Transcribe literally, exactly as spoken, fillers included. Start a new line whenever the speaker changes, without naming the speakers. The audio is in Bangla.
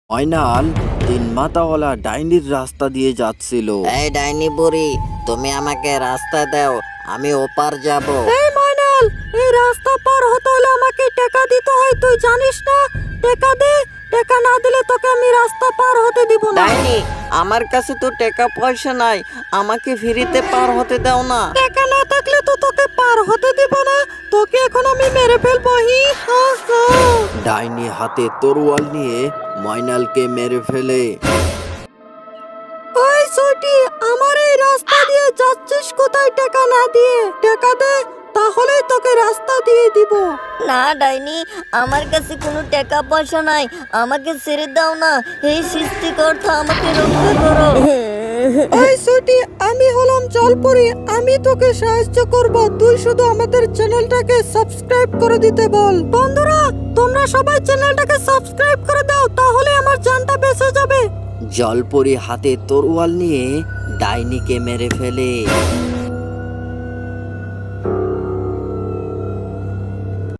ময়নাল তিন মাথাওয়ালা ডাইনির রাস্তা দিয়ে যাচ্ছিল।
এই ডাইনি বুড়ি, তুমি আমাকে রাস্তা দাও, আমি ওপার যাব।
এই ময়নাল, এই রাস্তা পার হতে হলে আমাকে টাকা দিতে হয়, তুই জানিস না? টাকা দে, টাকা না দিলে তোকে আমি রাস্তা পার হতে দিব না।
ডাইনি, আমার কাছে তো টাকা পয়সা নাই, আমাকে ফ্রিতে পার হতে দাও না।
টাকা না থাকলে তো তোকে পার হতে দিব না, তোকে এখন আমি মেরে ফেলবো। হি হা হা।
ডাইনি হাতে তরোয়াল নিয়ে ময়নালকে মেরে ফেলে।
ওই সুইটি, আমার এই রাস্তা দিয়ে যাচ্ছিস কোথায় টাকা না দিয়ে? টাকা দে, তাহলেই তোকে রাস্তা দিয়ে দিব।
না ডাইনি, আমার কাছে কোনো টাকা পয়সা নাই, আমাকে ছেড়ে দাও না। এই সৃষ্টিকর্তা আমাকে রক্ষা করো।
ওই সুইটি, আমি হলাম জলপরি, আমি তোকে সাহায্য করব, তুই শুধু আমাদের চ্যানেলটাকে সাবস্ক্রাইব করে দিতে বল। বন্ধুরা, তোমরা সবাই চ্যানেলটাকে সাবস্ক্রাইব করে দাও, তাহলে আমার জানটা বেঁচে যাবে।
জলপরি হাতে তরোয়াল নিয়ে ডাইনিকে মেরে ফেলে।